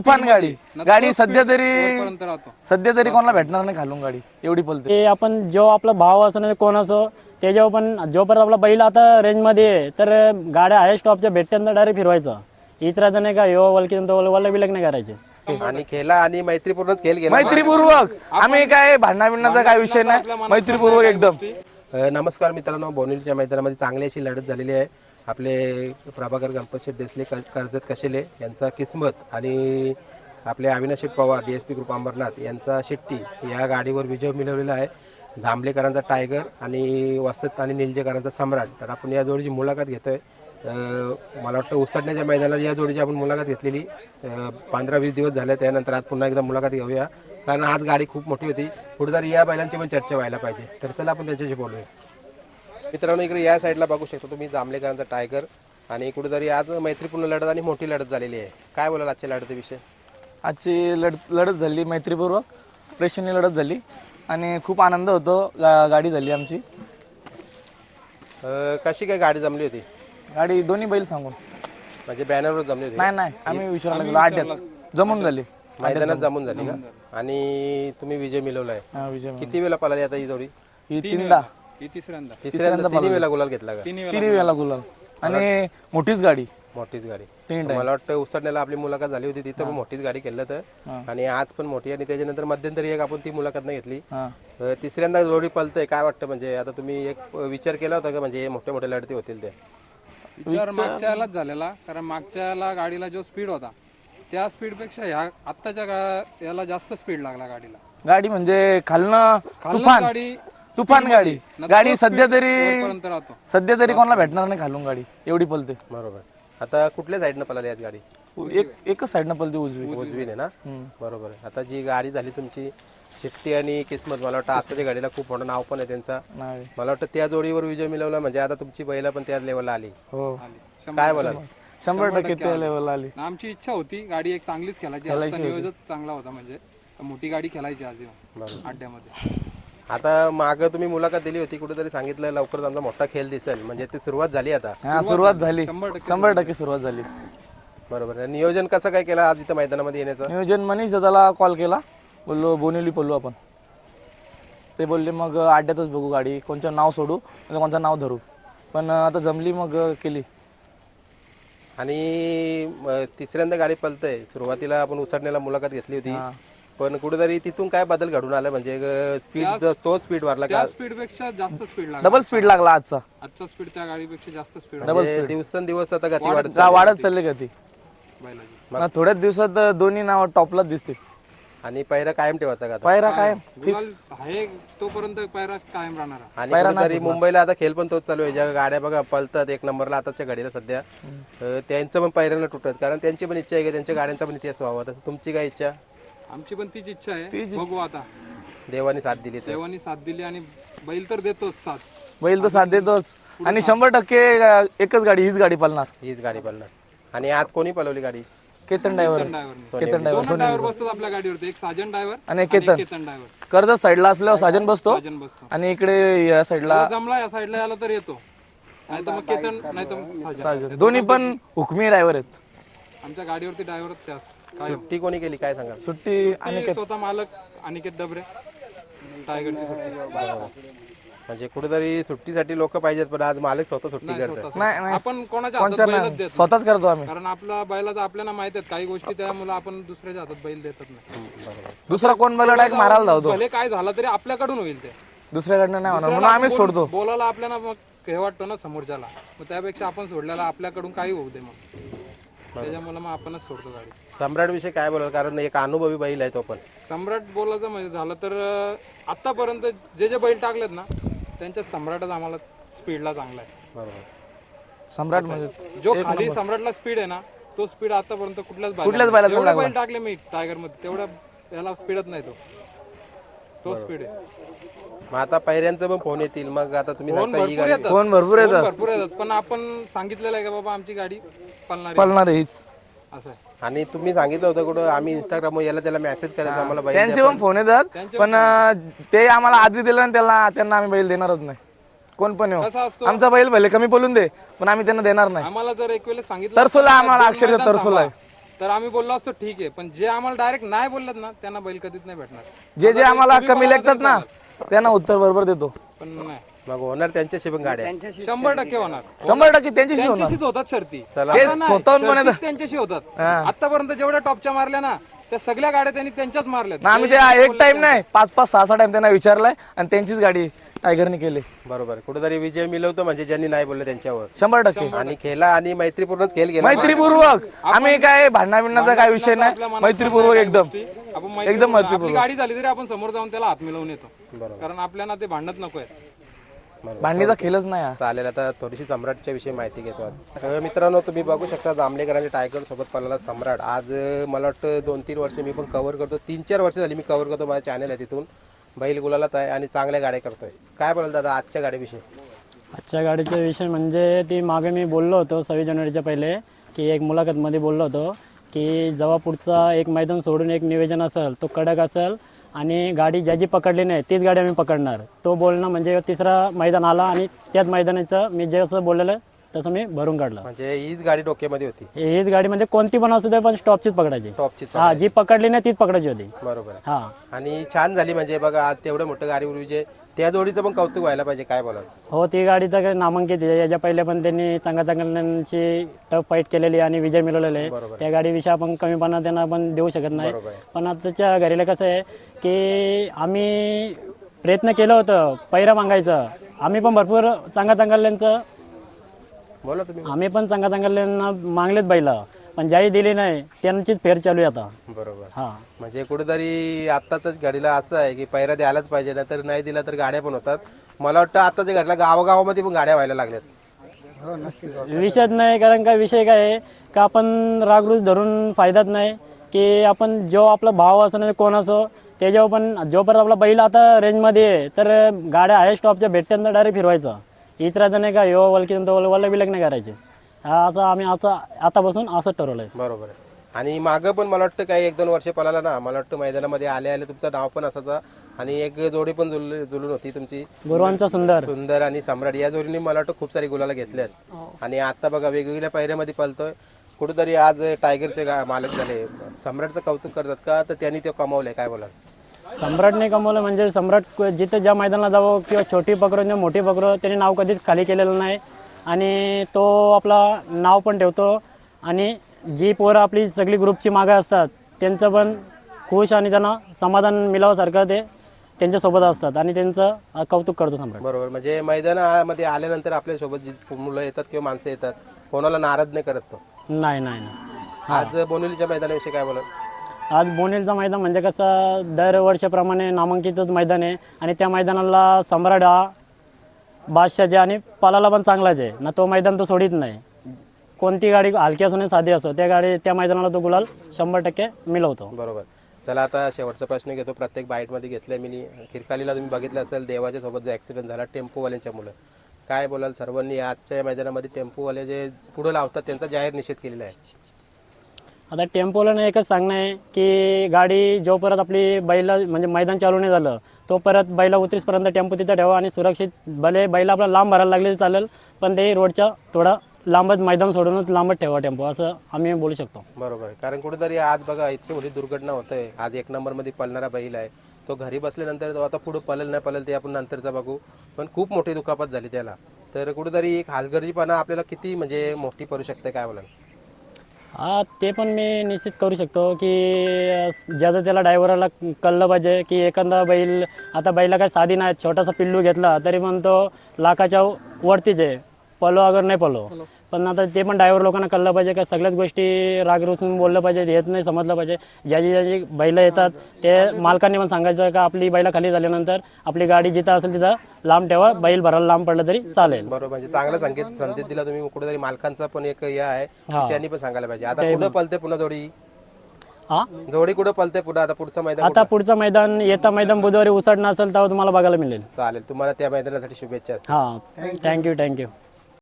तुफान गाडी गाडी सध्या तरी कोणाला भेटणार नाही खालून गाडी एवढी पलते. ते आपण जो आपला भाव असो नाही कोण असो त्याच्यावर पण जोपर्यंत आपला बैल आता रेंजमध्ये आहे तर गाड्या हाय स्टॉपच्या भेटत्यांना डायरेक्ट फिरवायचं. इतराचं नाही का यो वलकी वल्ल बिलक नाही करायचे. आणि खेळला आणि मैत्रीपूर्णच खेळ गेला. मैत्रीपूर्वक आम्ही काय भांडणाबिंडणाचा काय विषय नाही, मैत्रीपूर्वक एकदम. नमस्कार मित्रांनो, बोनिवलीच्या मैदानामध्ये चांगली अशी लढत झालेली आहे. आपले प्रभाकर गणपत शेठ देसले कर्जत कशेले यांचा किस्मत आणि आपले अविनाश पवार DSP ग्रुप अंबरनाथ यांचा शेट्टी या गाडीवर विजय मिळवलेला आहे. जांभलेकरांचा टायगर आणि वसत आणि निलजेकरांचा सम्राट. तर आपण या जोडीची मुलाखत घेतोय. मला वाटतं उसडण्याच्या मैदानात या जोडीची आपण मुलाखत घेतलेली 15-20 दिवस झाले. त्यानंतर आज पुन्हा एकदा मुलाखत घेऊया, कारण आज गाडी खूप मोठी होती. कुठेतरी या बैलांची पण चर्चा व्हायला पाहिजे. तर चला आपण त्यांच्याशी बोलूया. मित्रांनो, इकडे या साईडला बघू शकतो तुम्ही जांभलेकरांचा टायगर आणि कुठेतरी आज मैत्रीपूर्ण लढत आणि मोठी लढत झालेली आहे. काय बोलाल आजच्या लढतीविषयी? आजची लढत झाली मैत्रीपूर्वक, प्रेक्षणीय लढत झाली आणि खूप आनंद होतो. गाडी झाली आमची. कशी काय गाडी जमली होती? गाडी दोन्ही बैल सांगून म्हणजे बॅनरवर जमली होती? नाही, आम्ही विचारायला गेलो. अड्ड्यात जमून झाली, मैदानात जमून झाली का? आणि तुम्ही विजय मिळवलाय. विजय. किती वेळा पळाली आता ही जोडी? ही तिसऱ्यांदा तिन्ही वेळा गुलाल घेतला का? तिन्ही वेळेला गुलाल आणि मोठीच गाडी. मोठीच गाडी. तीन मला वाटतं उसडण्याला आपली मुलाखत झाली होती, तिथं पण मोठीच गाडी केलं तर. आणि आज पण मोठी. आणि त्याच्यानंतर मध्यंतरी एक आपण ती मुलाखत नाही घेतली. तिसऱ्यांदा जोडी पळतय. काय वाटतं, म्हणजे आता तुम्ही एक विचार केला होता का म्हणजे मोठे मोठे लढती होतील? ते विचार मागच्या यालाच झालेला, कारण मागच्या याला गाडीला जो स्पीड होता त्या स्पीड पेक्षा ह्या आत्ताच्या याला जास्त स्पीड लागला गाडीला. गाडी म्हणजे खालनं तुफान गाडी गाडी सध्या तरी कोणाला भेटणार नाही खालून गाडी एवढी पलते. बरोबर. आता कुठल्या साईडनं पळाली आज गाडी? एकच साईडनं पलते, उजवीने ना? बरोबर. आता जी गाडी झाली तुमची चिठ्ठी आणि किस्मत, मला वाटतं आताच्या गाडीला खूप मोठं नाव पण आहे त्यांचा. मला वाटतं त्या जोडीवर विजय मिळवला म्हणजे आता तुमची बैला पण त्या लेवलला आली. हो, काय बोलाल? 100% त्या लेवलला आली. आमची इच्छा होती गाडी एक चांगलीच खेळायची. नियोजन चांगला होता, म्हणजे मोठी गाडी खेळायची आज अड्ड्यामध्ये. आता माग तुम्ही मुलाखत दिली होती, कुठेतरी सांगितलं लवकरच आमचा मोठा खेळ दिसेल, म्हणजे ती सुरुवात झाली आता? सुरुवात झाली, 100% सुरुवात झाली. बरोबर. नियोजन कसं काय केलं आज इथं मैदानामध्ये येण्याचं? नियोजन मनीष दादाला कॉल केला, बोललो बोनिवली पडलो आपण. ते बोलले मग अड्ड्यातच बघू गाडी, कोणचं नाव सोडू कोणचं नाव धरू. पण आता जमली मग केली. आणि तिसऱ्यांदा गाडी पळतय. सुरुवातीला आपण उसडण्याला मुलाखत घेतली होती, पण कुठेतरी तिथून काय बदल घडून आला, म्हणजे स्पीड तो स्पीड वाढला का? स्पीड पेक्षा जास्त स्पीड लागला. डबल स्पीड लागला आजचा स्पीड त्या गाडीपेक्षा जास्त स्पीड. दिवसेंदिवस आता गती वाढत चालली गती. थोड्याच दिवसात दोन्ही नाव टॉपलाच दिसते. आणि पायरा कायम ठेवायचा का? पायरा कायम फिक्स आहे तोपर्यंत पायरा कायम राहणार. आणि कुठेतरी मुंबईला आता खेळ पण तोच चालू आहे. ज्या गाड्या बघा पळतात एक नंबरला आताच्या गाडीला सध्या, त्यांचं पण पायऱ्यानं तुटत, कारण त्यांची पण इच्छा आहे की त्यांच्या गाड्यांचा पण इतिहास व्हावा. तर तुमची काय इच्छा? आमची पण तीच इच्छा आहे. बघू आता, देवानी साथ दिली. देवानी साथ दिली आणि बैल तर देतोच साथ. बैल तर साथ देतोच. आणि 100% एकच गाडी, हीच गाडी पळणार. हीच गाडी पळणार. आणि आज कोणी पळवली गाडी? केतन ड्रायव्हर बसतात आपल्या गाडीवरती, एक साजन ड्रायव्हर आणि केतन ड्रायव्हर. कर्जत साईडला असल्यावर साजन बसतो आणि इकडे या साईडला जमला या साईडला याला तर येतो, नाही तर मग केतन, नाही तर साजन. दोन्ही पण हुकमी ड्रायव्हर आहेत. आमच्या गाडीवरती ड्रायव्हर त्याच. सुट्टी कोणी केली काय सांगा? सुट्टी स्वतः मालक अनिकेत डबरे, टायगरची सुट्टी. म्हणजे कुठेतरी सुट्टीसाठी लोक पाहिजेत, पण आज मालक स्वतः सुट्टी करतात. नाही, आपण कोणाच्या हातात बैलच देत स्वतःच करतो आम्ही, कारण आपला बैलाचा आपल्याला माहित आहेत काही गोष्टी, त्यामुळे आपण दुसऱ्याच्या हातात बैल देतच नाही. दुसरा कोण बैल डायरेक्ट मारायला धावतो. भले काय झालं तरी आपल्याकडून होईल, ते दुसऱ्याकडनं नाही होणार, म्हणून आम्हीच सोडतो. बोलायला आपल्याला मग हे वाटतं ना समोरच्याला, मग त्यापेक्षा आपण सोडल्याला आपल्याकडून काही होऊ दे, मग त्याच्यामुळे मग आपणच सोडतो गाडी. सम्राट विषयी काय बोलाल, कारण एक अनुभवी बैल आहे तो पण. सम्राट बोलायचं म्हणजे झालं तर आतापर्यंत जे बैल टाकलेत ना त्यांच्या सम्राटच आम्हाला स्पीडला चांगला आहे. बरोबर. सम्राट म्हणजे जो खाली सम्राटला स्पीड आहे ना, तो स्पीड आतापर्यंत कुठल्याच बैलाला बैल टाकले मी टायगर मध्ये तेवढ्या याला स्पीडच नाही, तो स्पीड आहे. मग आता पायऱ्यांचं पण फोन येतील, मग आता तुम्ही फोन भरपूर येतात, पण आपण सांगितलेलं आहे का बाबा आमची गाडी पळणार हीच असं आहे. आणि तुम्ही सांगितलं होतं कुठं आम्ही इंस्टाग्राम याला त्याला मेसेज करायचा आम्हाला बैल त्यांचे पण फोन येतात, पण ते आम्हाला आधी दिलं आणि त्यांना आम्ही बैल देणारच नाही. कोण पण येऊ, आमचा बैल भले कमी बोलून दे, पण आम्ही त्यांना देणार नाही. आम्हाला जर एक वेळेस सांगितलं तरसोला, आम्हाला अक्षरशः तरसोला आहे. तर आम्ही बोललो असतो ठीक आहे, पण जे आम्हाला डायरेक्ट नाही बोललेत ना त्यांना बैल कधीच नाही भेटणार. जे जे आम्हाला कमी लागतात ना त्यांना उत्तर बरोबर देतो. पण नाही, मग होणार त्यांच्याशी पण गाड्या 100% होणार. 100% त्यांच्याशी होणार. त्यांच्याशीच होतात शर्ती. ते आता नाही, स्वतःहून शर्ती म्हणायचं. त्यांच्याशी होतात. आतापर्यंत जेवढ्या टॉपच्या मारल्या ना त्या सगळ्या गाड्या त्यांनी त्यांच्याच मारल्यात. ना आम्ही ते एक टाइम नाही 5-5, 6-6 टाइम त्यांना विचारलाय आणि त्यांचीच गाडी टायगरने केली. बरोबर. कुठेतरी विजय मिळवतो म्हणजे ज्यांनी नाही बोलले त्यांच्यावर. 100%. आणि खेळला आणि मैत्रीपूर्णच खेळ गेला. मैत्रीपूर्वक आम्ही काय भांडणाबिंडणाचा काय विषय नाही. मैत्रीपूर्वक एकदम आपण एकदम आपली गाडी झाली तरी आपण समोर जाऊन त्याला हात मिळवून येतो, कारण आपल्याला ते भांडत नकोय. भांडणीचा खेळच नाही हा. चालेल. आता थोडीशी सम्राटच्या विषयी माहिती घेतो आज. मित्रांनो, तुम्ही बघू शकता जांभलेकरांच्या टायगर सोबत पळाला सम्राट. आज मला वाटतं 2-3 वर्ष मी पण कव्हर करतो, 3-4 वर्ष झाली मी कव्हर करतो. माझं चॅनल आहे तिथून. बैल गुलालात आहे आणि चांगल्या गाड्या करतोय. काय बोलाल दादा आजच्या गाडीविषयी? आजच्या गाडीचा विषय म्हणजे ती मागे मी बोललो होतो 26 जानेवारीच्या पहिले की एक मुलाखतमध्ये बोललो होतो की जेव्हा पुढचा एक मैदान सोडून एक नियोजन असेल तो कडक असेल आणि गाडी ज्याची पकडली नाही तीच गाडी आम्ही पकडणार. तो बोलणं म्हणजे तिसरा मैदान आला आणि त्याच मैदानाचं मी जसं बोललेलं तसं मी भरून काढलं. म्हणजे हीच गाडी डोक्यामध्ये होती. हीच गाडी म्हणजे कोणती पण असू दे पण स्टॉपचीच पकडायची. टॉपची. हा, जी पकडली नाही तीच पकडायची होती. बरोबर. हा, आणि छान झाली. म्हणजे बघा आज तेवढं मोठं गाडीवर विजय, त्या जोडीचं पण कौतुक व्हायला पाहिजे. काय बोलाल? हो, ती गाडी तर नामांकित आहे. याच्या पहिले पण त्यांनी चांगल्याची टफ फाईट केलेली आणि विजय मिळवलेले आहे. त्या गाडीविषयी आपण कमीपणा त्यांना आपण देऊ शकत नाही. पण आताच्या घरीला कसं आहे की आम्ही प्रयत्न केलं होतं पैरा मागायचं. आम्ही पण भरपूर चांगल्यांचं बोला तुम्ही. आम्ही पण चांगल्यांना मागलेत बैला, पण ज्याही दिली नाही त्यांचीच फेर चालू आहे आता. बरोबर. हा, म्हणजे कुठेतरी आत्ताच गाडीला असं आहे की पैरा द्यायलाच पाहिजे, ना तर नाही दिला तर गाड्या पण होतात. मला वाटतं आताच्या गाडीला गावागावामध्ये पण गाड्या व्हायला लागल्यात. विषयच नाही. कारण का विषय काय आहे का आपण रागरूज धरून फायदाच नाही की आपण जो आपला भाव असो नाही कोण असो त्याच्यावर पण जोपर्यंत आपला बैल आता रेंजमध्ये आहे तर गाड्या हाय स्टॉपच्या भेटत्यांना डायरेक्ट फिरवायचं. इतराचं नाही का यो वलकी वल्ल बिलक नाही करायचे. हा, असं आम्ही असं आतापासून असंच ठरवलंय. बरोबर आहे. आणि मागं पण मला वाटतं काही 1-2 वर्ष पळाला ना, मला वाटतं मैदानामध्ये आले तुमचं नाव पण असायचं आणि एक जोडी पण जुळून होती तुमची, गुरुवांचा सुंदर आणि सम्राट. या जोडीने मला वाटतं खूप सारी गुलाला घेतल्यात. आणि आता बघा वेगवेगळ्या पायऱ्यामध्ये पळतोय. कुठेतरी आज टायगरचे मालक झाले. सम्राटचं कौतुक करतात का, तर त्यांनी ते कमावलंय? काय बोला? सम्राटने कमवलं म्हणजे सम्राट जिथे ज्या मैदानाला जावं किंवा छोटी पकडो किंवा मोठी पकडो त्याने नाव कधीच खाली केलेलं नाही आणि तो आपला नाव पण ठेवतो. आणि जी पोरं आपली सगळी ग्रुपची मागं असतात त्यांचं पण खुश आणि त्यांना समाधान मिळावसारखं ते त्यांच्यासोबत असतात आणि त्यांचं कौतुक करतो सम्राट. बरोबर. म्हणजे मैदानामध्ये आल्यानंतर आपल्यासोबत जी मुलं येतात किंवा माणसं येतात कोणाला नाराज नाही करत तो. नाही. आज बोनिवलीच्या मैदानाविषयी काय बोला? आज बोनेलचं मैदान म्हणजे कसं दरवर्षाप्रमाणे नामांकितच मैदान आहे आणि त्या मैदानाला सम्राट हा बादशाहचे आणि पालाला पण चांगलाच आहे ना. तो मैदान तो सोडित नाही. कोणती गाडी हलकी असो नाही साधी असो त्या मैदानाला तो गुलाल 100% मिळवतो. बरोबर. चला आता शेवटचा प्रश्न घेतो. प्रत्येक बाईटमध्ये घेतलाय मी. खिरकालीला तुम्ही बघितलं असेल देवाच्या सोबत जो ॲक्सिडेंट झाला टेम्पोवाल्यांच्या मुलं, काय बोलाल? सर्वांनी आजच्या मैदानामध्ये टेम्पोवाले जे पुढे लावतात त्यांचा जाहीर निषेध केलेला आहे. आता टेम्पोला एकच सांगणं आहे की गाडी जो परत आपली बैला म्हणजे मैदान चालू नाही झालं तो परत बैला उतरीसपर्यंत टेम्पो तिथं ठेवा आणि सुरक्षित भले बैला आपला लांब भरायला लागले चालेल पण ते रोडच्या थोडा लांबच मैदान सोडूनच लांबच ठेवा टेम्पो, असं आम्ही बोलू शकतो. बरोबर. कारण कुठेतरी आज बघा इतकी मोठी दुर्घटना होते. आज 1 नंबरमध्ये पळणारा बैल आहे तो घरी बसल्यानंतर तो आता पुढे पळेल नाही पळेल ते आपण नंतरचा बघू, पण खूप मोठी दुखापत झाली त्याला. तर कुठेतरी एक हलगर्जीपणा आपल्याला किती म्हणजे मोठी पडू शकते, काय बोलाल? हा, ते पण मी निश्चित करू शकतो की ज्याचं त्याला ड्रायव्हरला कळलं पाहिजे की एखादा बैल आता बैला काय साधी नाही, छोटासा पिल्लू घेतला तरी पण तो लाखाच्या वरतीच आहे, पलो अगर नाही पलो. पण आता ते पण ड्रायव्हर लोकांना कळलं पाहिजे का सगळ्याच गोष्टी राग रुसून बोललं पाहिजे, हेच नाही समजलं पाहिजे. ज्याची बैलं येतात ते मालकांनी पण सांगायचं का आपली बैला खाली झाल्यानंतर आपली गाडी जिथं असेल तिथं लांब ठेवा, बैल भरायला लांब पडलं तरी चालेल. बरोबर. म्हणजे चांगला संदेश दिला तुम्ही. कुठेतरी मालकांचा पण एक हे आहे त्यांनी पण सांगायला पाहिजे. आता कुठं पलते पुन्हा जोडी? हा, जोडी कुठं पलते पुढे? आता पुढचं मैदान आता पुढचं मैदान येता मैदान बुधवारी उसडणं असेल तेव्हा तुम्हाला बघायला मिळेल. चालेल. तुम्हाला त्या मैदानासाठी शुभेच्छा. हां, थँक्यू.